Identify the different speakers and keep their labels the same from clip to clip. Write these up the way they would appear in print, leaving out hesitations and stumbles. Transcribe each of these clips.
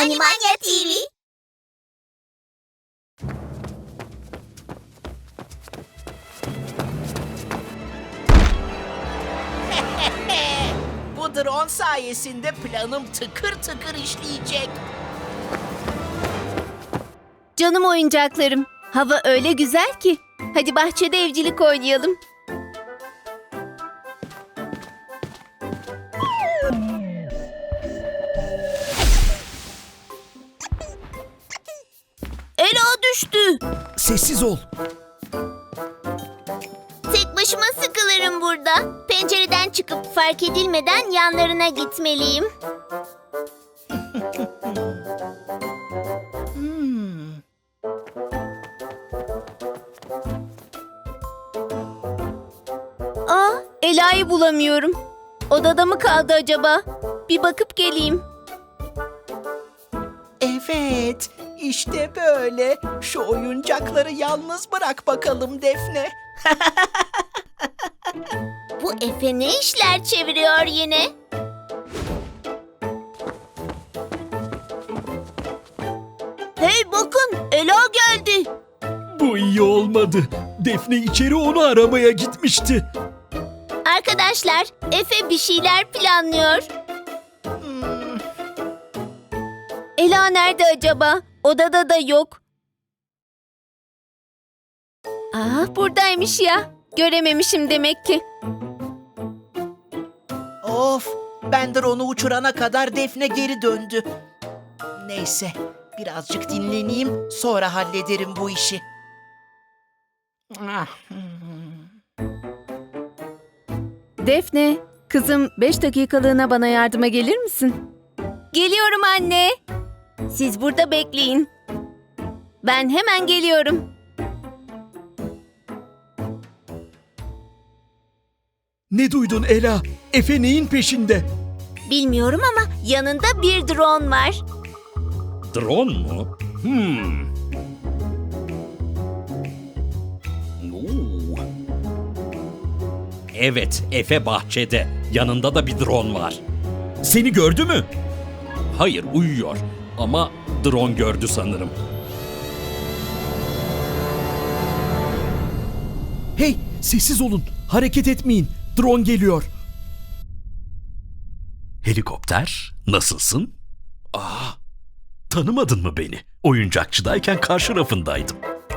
Speaker 1: Animania TV.
Speaker 2: Bu drone sayesinde planım tıkır tıkır işleyecek.
Speaker 3: Canım oyuncaklarım, hava öyle güzel ki. Hadi bahçede evcilik oynayalım. Ela düştü.
Speaker 4: Sessiz ol.
Speaker 1: Tek başıma sıkılırım burada. Pencereden çıkıp fark edilmeden yanlarına gitmeliyim.
Speaker 3: Ela'yı bulamıyorum. Odada mı kaldı acaba? Bir bakıp geleyim.
Speaker 2: Evet, işte böyle. Şu oyuncakları yalnız bırak bakalım Defne.
Speaker 1: Bu Efe ne işler çeviriyor yine? Hey bakın, Ela geldi.
Speaker 4: Bu iyi olmadı. Defne içeri onu aramaya gitmişti.
Speaker 1: Arkadaşlar, Efe bir şeyler planlıyor.
Speaker 3: Ela nerede acaba? Odada da yok. Buradaymış ya. Görememişim demek ki.
Speaker 2: Of, ben drone'u uçurana kadar Defne geri döndü. Neyse, birazcık dinleneyim, sonra hallederim bu işi.
Speaker 3: Defne, kızım 5 dakikalığına bana yardıma gelir misin? Geliyorum anne. Siz burada bekleyin. Ben hemen geliyorum.
Speaker 4: Ne duydun Ela? Efe neyin peşinde?
Speaker 1: Bilmiyorum ama yanında bir drone var.
Speaker 5: Drone mu? Oo. Evet, Efe bahçede. Yanında da bir drone var.
Speaker 4: Seni gördü mü?
Speaker 5: Hayır, uyuyor. Ama drone gördü sanırım.
Speaker 4: Hey, sessiz olun. Hareket etmeyin. Drone geliyor.
Speaker 6: Helikopter, nasılsın? Tanımadın mı beni? Oyuncakçıdayken karşı rafındaydım.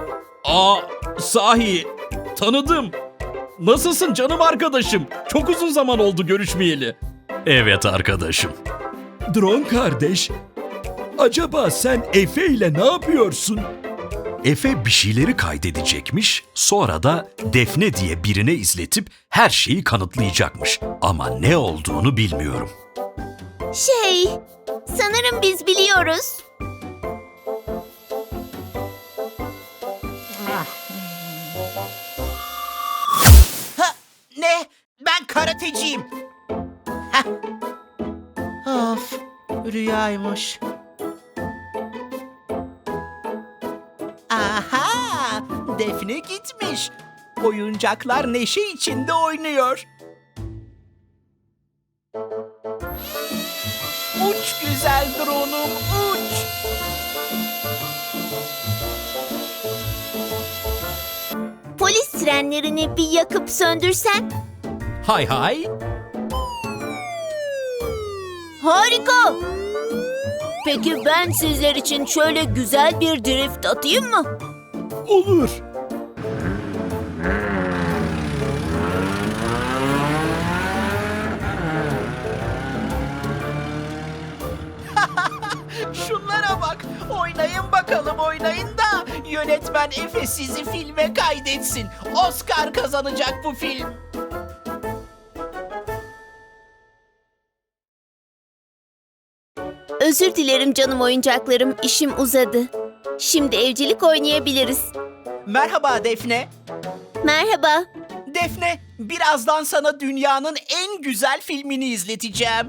Speaker 5: Sahi, tanıdım. Nasılsın canım arkadaşım? Çok uzun zaman oldu görüşmeyeli.
Speaker 6: Evet arkadaşım.
Speaker 4: Drone kardeş, acaba sen Efe ile ne yapıyorsun?
Speaker 6: Efe bir şeyleri kaydedecekmiş, sonra da Defne diye birine izletip her şeyi kanıtlayacakmış. Ama ne olduğunu bilmiyorum.
Speaker 1: Sanırım biz biliyoruz.
Speaker 2: Ne? Ben karateciyim. Heh. Of, rüyaymış. Aha, Defne gitmiş. Oyuncaklar neşe içinde oynuyor. Uç güzel drone'um, uç.
Speaker 1: Polis sirenlerini bir yakıp söndürsen.
Speaker 5: Hay hay.
Speaker 1: Harika. Peki ben sizler için şöyle güzel bir drift atayım mı?
Speaker 4: Olur.
Speaker 2: Şunlara bak. Oynayın bakalım, oynayın da yönetmen Efe sizi filme kaydetsin. Oscar kazanacak bu film.
Speaker 3: Özür dilerim canım oyuncaklarım, işim uzadı. Şimdi evcilik oynayabiliriz.
Speaker 2: Merhaba Defne.
Speaker 3: Merhaba.
Speaker 2: Defne, birazdan sana dünyanın en güzel filmini izleteceğim.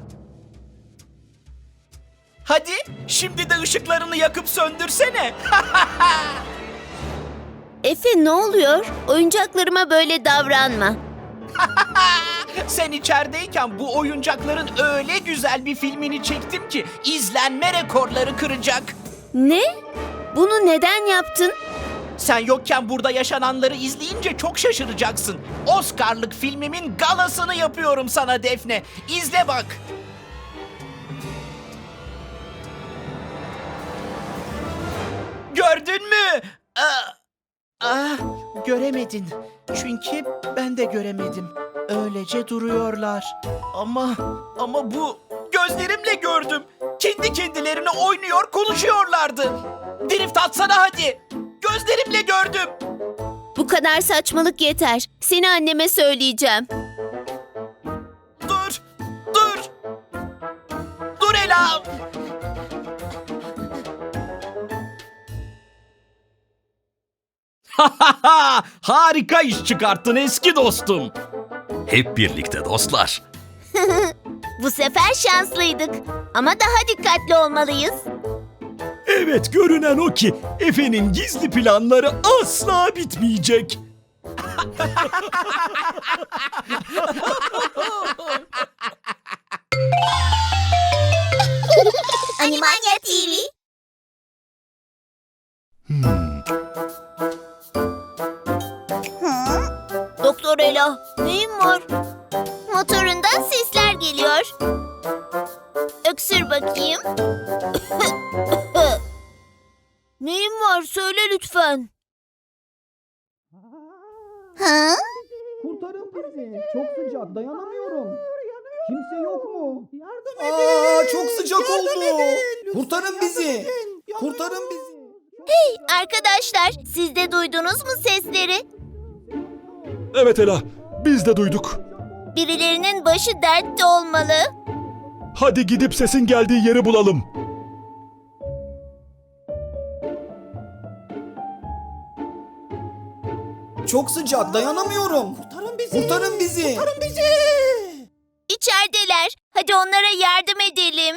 Speaker 2: Hadi, şimdi de ışıklarını yakıp söndürsene.
Speaker 3: Efe ne oluyor? Oyuncaklarıma böyle davranma.
Speaker 2: Sen içerideyken bu oyuncakların öyle güzel bir filmini çektim ki izlenme rekorları kıracak.
Speaker 3: Ne? Bunu neden yaptın?
Speaker 2: Sen yokken burada yaşananları izleyince çok şaşıracaksın. Oscar'lık filmimin galasını yapıyorum sana Defne. İzle bak. Gördün mü? Göremedin. Çünkü ben de göremedim. Öylece duruyorlar. Ama bu gözlerimle gördüm. Kendi kendilerine oynuyor, konuşuyorlardı. Drift atsana hadi. Gözlerimle gördüm.
Speaker 3: Bu kadar saçmalık yeter. Seni anneme söyleyeceğim.
Speaker 2: Dur. Dur. Dur Ela.
Speaker 5: Harika iş çıkarttın eski dostum.
Speaker 6: Hep birlikte dostlar.
Speaker 3: Bu sefer şanslıydık. Ama daha dikkatli olmalıyız.
Speaker 4: Evet, görünen o ki Efe'nin gizli planları asla bitmeyecek.
Speaker 3: Animania TV.
Speaker 1: Doktor Ela, neyin var?
Speaker 3: Motorundan sesler geliyor. Öksür bakayım.
Speaker 1: Neyin var? Söyle lütfen.
Speaker 3: Ha?
Speaker 7: Kurtarın bizi. Çok sıcak. Dayanamıyorum. Kimse yok mu? Çok sıcak oldu. Kurtarın bizi. Kurtarın bizi.
Speaker 3: Arkadaşlar, siz de duydunuz mu sesleri?
Speaker 4: Evet Ela, biz de duyduk.
Speaker 3: Birilerinin başı dertte olmalı.
Speaker 4: Hadi gidip sesin geldiği yeri bulalım.
Speaker 7: Çok sıcak. Dayanamıyorum. Kurtarın bizi. Kurtarın bizi. Kurtarın bizi.
Speaker 3: İçerideler. Hadi onlara yardım edelim.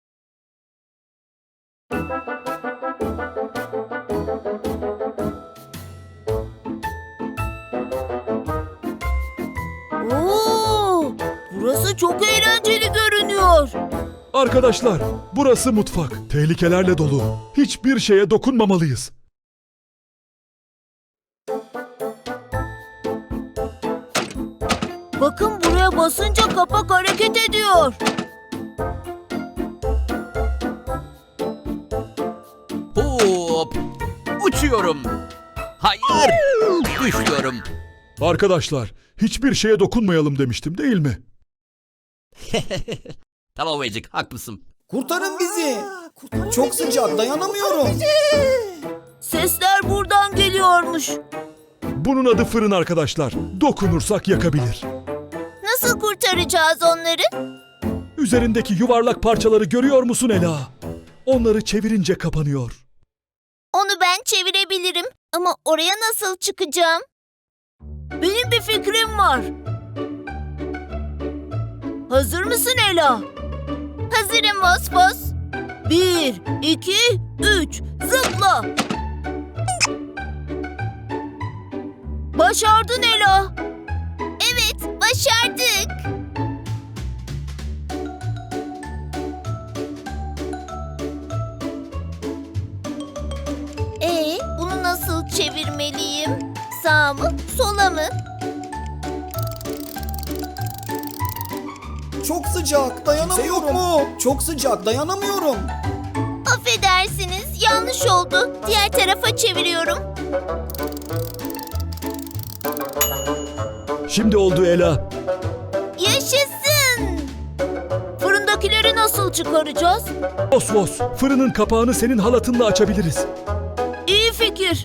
Speaker 1: Oo, burası çok eğlenceli görünüyor.
Speaker 4: Arkadaşlar, burası mutfak. Tehlikelerle dolu. Hiçbir şeye dokunmamalıyız.
Speaker 1: Bakın buraya basınca kapak hareket ediyor.
Speaker 8: Hop! Uçuyorum. Hayır! Düşüyorum.
Speaker 4: Arkadaşlar, hiçbir şeye dokunmayalım demiştim değil mi?
Speaker 8: Tamam Ecik, haklısın.
Speaker 7: Kurtarın bizi. Çok sıcak. Dayanamıyorum.
Speaker 1: Sesler buradan geliyormuş.
Speaker 4: Bunun adı fırın arkadaşlar. Dokunursak yakabilir.
Speaker 3: Nasıl kurtaracağız onları?
Speaker 4: Üzerindeki yuvarlak parçaları görüyor musun Ela? Onları çevirince kapanıyor.
Speaker 3: Onu ben çevirebilirim. Ama oraya nasıl çıkacağım?
Speaker 1: Benim bir fikrim var. Hazır mısın Ela?
Speaker 3: Hazırım Vosvos.
Speaker 1: 1, 2, 3, zıpla. Başardın Ela.
Speaker 3: Evet, başardık. Bunu nasıl çevirmeliyim? Sağa mı, sola mı?
Speaker 7: Çok sıcak. Dayanamıyorum. Yok mu? Çok sıcak. Dayanamıyorum.
Speaker 3: Affedersiniz, yanlış oldu. Diğer tarafa çeviriyorum.
Speaker 4: Şimdi oldu Ela.
Speaker 3: Yaşasın!
Speaker 1: Fırındakileri nasıl çıkaracağız?
Speaker 4: Vos vos, fırının kapağını senin halatınla açabiliriz.
Speaker 1: İyi fikir.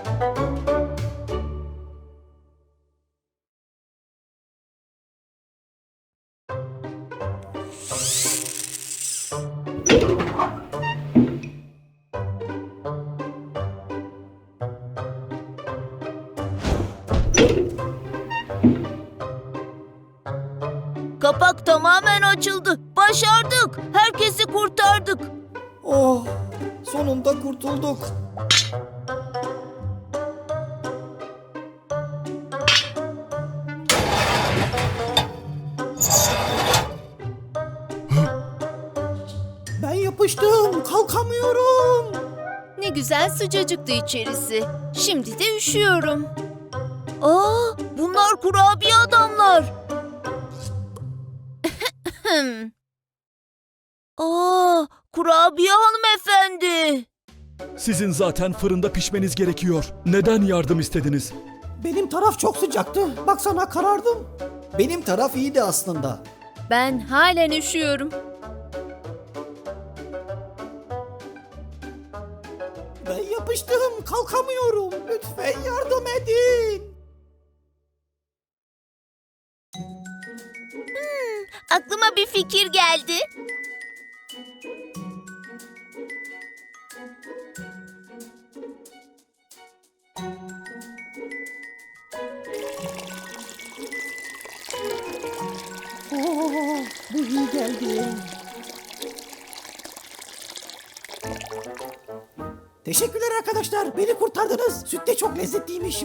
Speaker 1: Kapak tamamen açıldı. Başardık. Herkesi kurtardık.
Speaker 7: Oh, sonunda kurtulduk. yapıştım. Kalkamıyorum.
Speaker 3: Ne güzel sıcacıktı içerisi. Şimdi de üşüyorum. Aa, bunlar kurabiye adamlar. Aa, kurabiye hanımefendi.
Speaker 4: Sizin zaten fırında pişmeniz gerekiyor. Neden yardım istediniz?
Speaker 7: Benim taraf çok sıcaktı. Baksana karardım. Benim taraf iyiydi aslında.
Speaker 3: Ben halen üşüyorum.
Speaker 7: Ben yapıştım. Kalkamıyorum. Lütfen yardım edin.
Speaker 3: Aklıma bir fikir geldi.
Speaker 7: Bu iyi geldi. Teşekkürler arkadaşlar. Beni kurtardınız. Süt de çok lezzetliymiş.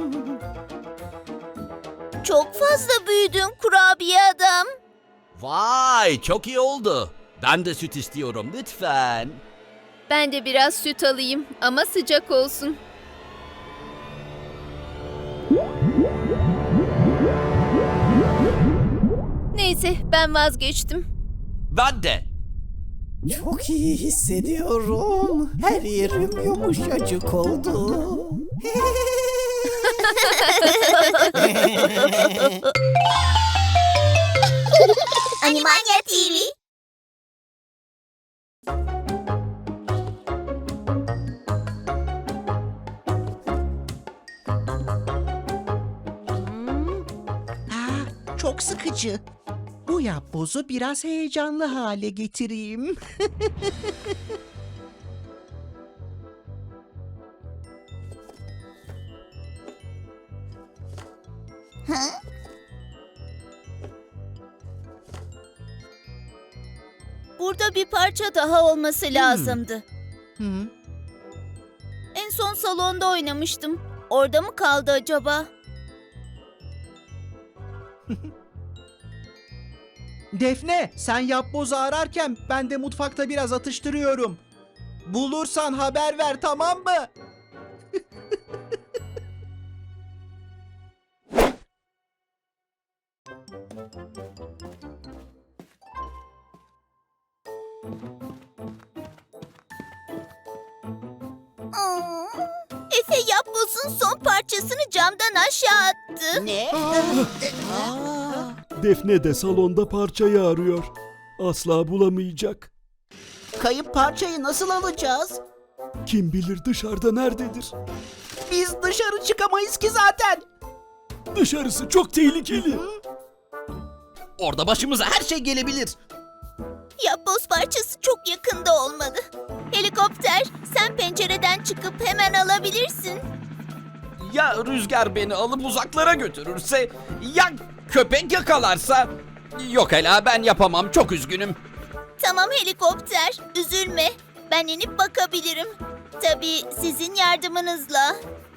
Speaker 3: Çok fazla büyüdün kurabiye adam.
Speaker 8: Vay çok iyi oldu. Ben de süt istiyorum lütfen.
Speaker 3: Ben de biraz süt alayım ama sıcak olsun. Neyse ben vazgeçtim.
Speaker 8: Ben de.
Speaker 7: Çok iyi hissediyorum. Her yerim yumuşacık oldu.
Speaker 3: Animania TV.
Speaker 2: Çok sıkıcı. Bu yapbozu biraz heyecanlı hale getireyim.
Speaker 3: Burada bir parça daha olması lazımdı.
Speaker 2: Hı?
Speaker 3: En son salonda oynamıştım. Orada mı kaldı acaba?
Speaker 2: Defne, sen yapbozu ararken ben de mutfakta biraz atıştırıyorum. Bulursan haber ver, tamam mı?
Speaker 3: Efe yapbozun son parçasını camdan aşağı attı.
Speaker 2: Ne?
Speaker 4: Defne de salonda parçayı arıyor. Asla bulamayacak.
Speaker 2: Kayıp parçayı nasıl alacağız?
Speaker 4: Kim bilir dışarıda nerededir?
Speaker 2: Biz dışarı çıkamayız ki zaten.
Speaker 4: Dışarısı çok tehlikeli.
Speaker 8: Orada başımıza her şey gelebilir.
Speaker 3: Yapboz parçası çok yakında olmalı. Helikopter, sen pencereden çıkıp hemen alabilirsin.
Speaker 5: Ya rüzgar beni alıp uzaklara götürürse? Ya köpek yakalarsa? Yok Ela, ben yapamam, çok üzgünüm.
Speaker 3: Tamam helikopter, üzülme. Ben inip bakabilirim. Tabii sizin yardımınızla.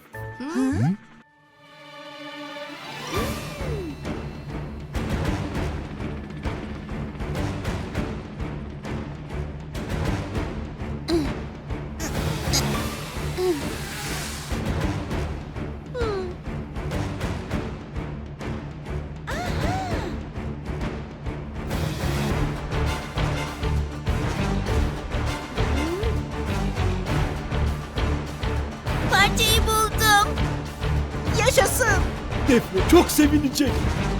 Speaker 3: Parçayı buldum.
Speaker 2: Yaşasın.
Speaker 4: Defne çok sevinecek.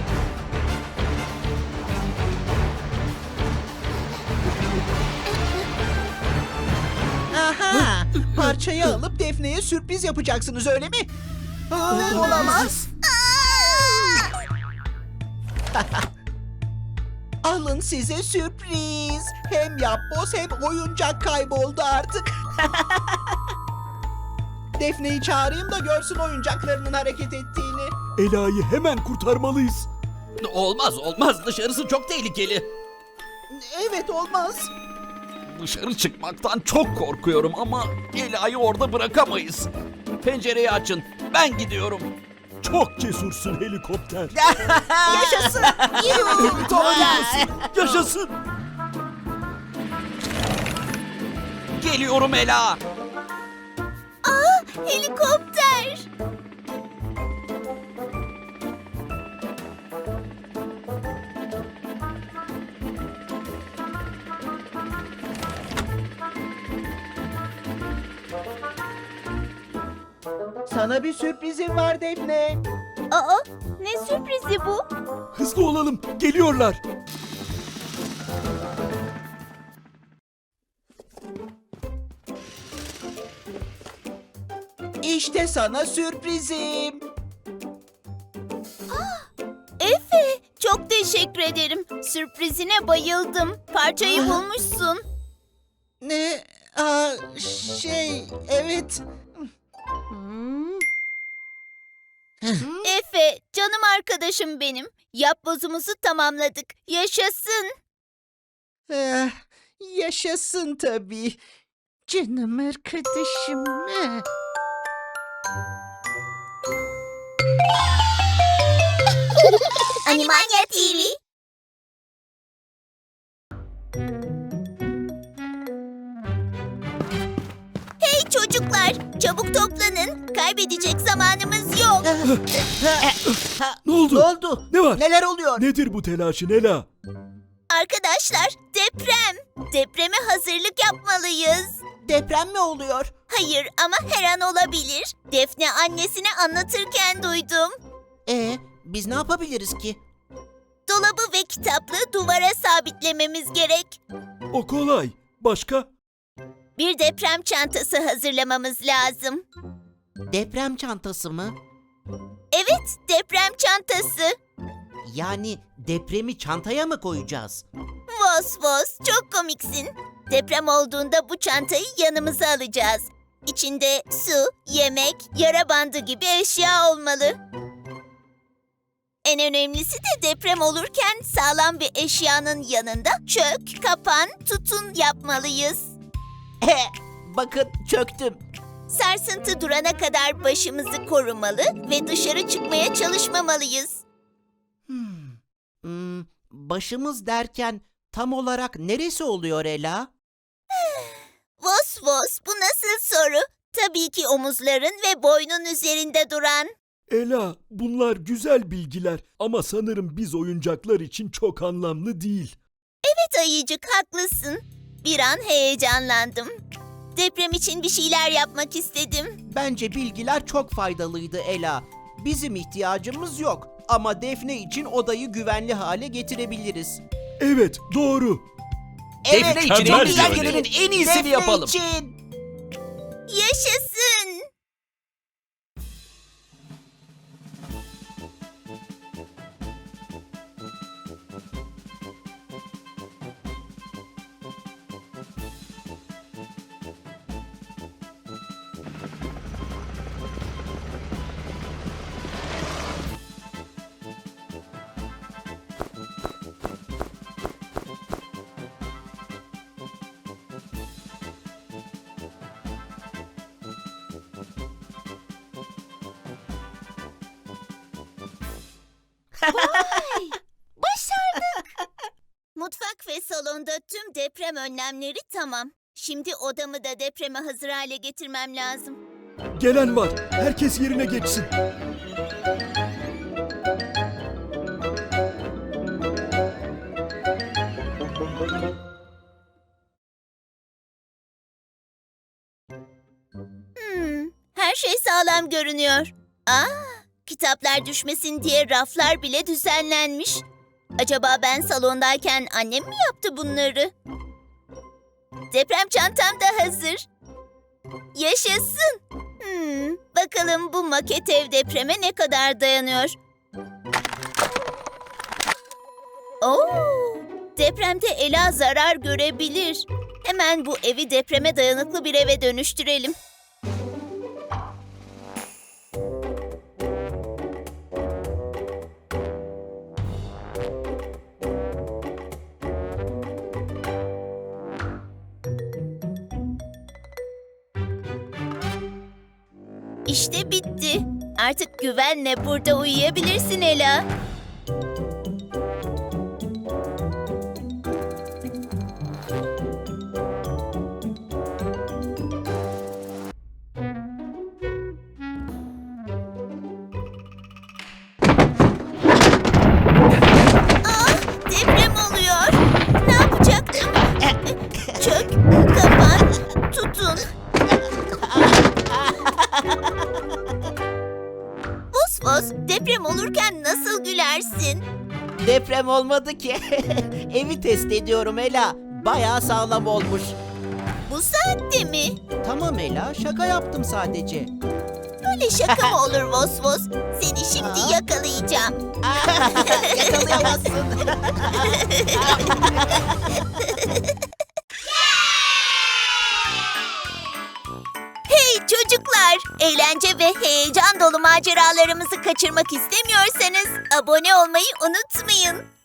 Speaker 2: Aha, parçayı alıp Defne'ye sürpriz yapacaksınız, öyle mi? Olamaz. Alın size sürpriz. Hem yapboz hem oyuncak kayboldu artık. Defne'yi çağırayım da görsün oyuncaklarının hareket ettiğini.
Speaker 4: Ela'yı hemen kurtarmalıyız.
Speaker 8: Olmaz olmaz, dışarısı çok tehlikeli.
Speaker 2: Evet, olmaz.
Speaker 5: Dışarı çıkmaktan çok korkuyorum ama Ela'yı orada bırakamayız. Pencereyi açın, ben gidiyorum.
Speaker 4: Çok cesursun helikopter.
Speaker 2: Yaşasın.
Speaker 4: Harikasın. Yaşasın.
Speaker 5: geliyorum Ela.
Speaker 3: Helikopter.
Speaker 2: Sana bir sürprizim var Defne.
Speaker 3: Aa, ne sürprizi bu?
Speaker 4: Hızlı olalım, geliyorlar.
Speaker 2: İşte sana sürprizim.
Speaker 3: Efe, çok teşekkür ederim. Sürprizine bayıldım. Parçayı bulmuşsun.
Speaker 2: Ne? Evet.
Speaker 3: Efe, canım arkadaşım benim. Yapbozumuzu tamamladık. Yaşasın.
Speaker 2: Yaşasın tabii. Canım arkadaşım.
Speaker 3: Animania TV. Hey çocuklar, çabuk toplanın. Kaybedecek zamanımız yok.
Speaker 4: Ne oldu?
Speaker 2: Ne oldu?
Speaker 4: Ne var?
Speaker 2: Neler oluyor?
Speaker 4: Nedir bu telaşın Ela?
Speaker 3: Arkadaşlar, deprem. Depreme hazırlık yapmalıyız.
Speaker 2: Deprem mi oluyor?
Speaker 3: Hayır ama her an olabilir. Defne annesine anlatırken duydum.
Speaker 2: Biz ne yapabiliriz ki?
Speaker 3: Dolabı ve kitaplığı duvara sabitlememiz gerek.
Speaker 4: O kolay. Başka?
Speaker 3: Bir deprem çantası hazırlamamız lazım.
Speaker 2: Deprem çantası mı?
Speaker 3: Evet, deprem çantası.
Speaker 2: Yani depremi çantaya mı koyacağız?
Speaker 3: Vos vos, çok komiksin. Deprem olduğunda bu çantayı yanımıza alacağız. İçinde su, yemek, yara bandı gibi eşya olmalı. En önemlisi de deprem olurken sağlam bir eşyanın yanında çök, kapan, tutun yapmalıyız.
Speaker 2: Bakın çöktüm.
Speaker 3: Sarsıntı durana kadar başımızı korumalı ve dışarı çıkmaya çalışmamalıyız.
Speaker 2: Başımız derken tam olarak neresi oluyor Ela?
Speaker 3: Vos vos, bu nasıl soru? Tabii ki omuzların ve boynun üzerinde duran.
Speaker 4: Ela, bunlar güzel bilgiler ama sanırım biz oyuncaklar için çok anlamlı değil.
Speaker 3: Evet ayıcık, haklısın. Bir an heyecanlandım. Deprem için bir şeyler yapmak istedim.
Speaker 2: Bence bilgiler çok faydalıydı Ela. Bizim ihtiyacımız yok ama Defne için odayı güvenli hale getirebiliriz.
Speaker 4: Evet, doğru.
Speaker 5: Defne için
Speaker 6: mükemmel
Speaker 5: elimizden
Speaker 6: yani.
Speaker 5: gelenin en iyisini
Speaker 2: Defne
Speaker 5: yapalım.
Speaker 2: için.
Speaker 3: Yaşasın! Mutfak ve salonda tüm deprem önlemleri tamam. Şimdi odamı da depreme hazır hale getirmem lazım.
Speaker 4: Gelen var. Herkes yerine geçsin.
Speaker 3: Her şey sağlam görünüyor. Kitaplar düşmesin diye raflar bile düzenlenmiş. Acaba ben salondayken annem mi yaptı bunları? Deprem çantam da hazır. Yaşasın. Bakalım bu maket ev depreme ne kadar dayanıyor? Depremde Ela zarar görebilir. Hemen bu evi depreme dayanıklı bir eve dönüştürelim. İşte bitti. Artık güvenle burada uyuyabilirsin Ela.
Speaker 2: deprem olmadı ki. Evi test ediyorum Ela. Bayağı sağlam olmuş.
Speaker 3: Bu saatte mi?
Speaker 2: Tamam Ela, şaka yaptım sadece.
Speaker 3: Böyle şaka mı olur Vos Vos? Seni şimdi yakalayacağım.
Speaker 2: Yakalayamazsın.
Speaker 3: Hey çocuklar! Eğlence ve heyecan dolu maceralarımızı kaçırmak istemiyorsanız abone olmayı unutmayın.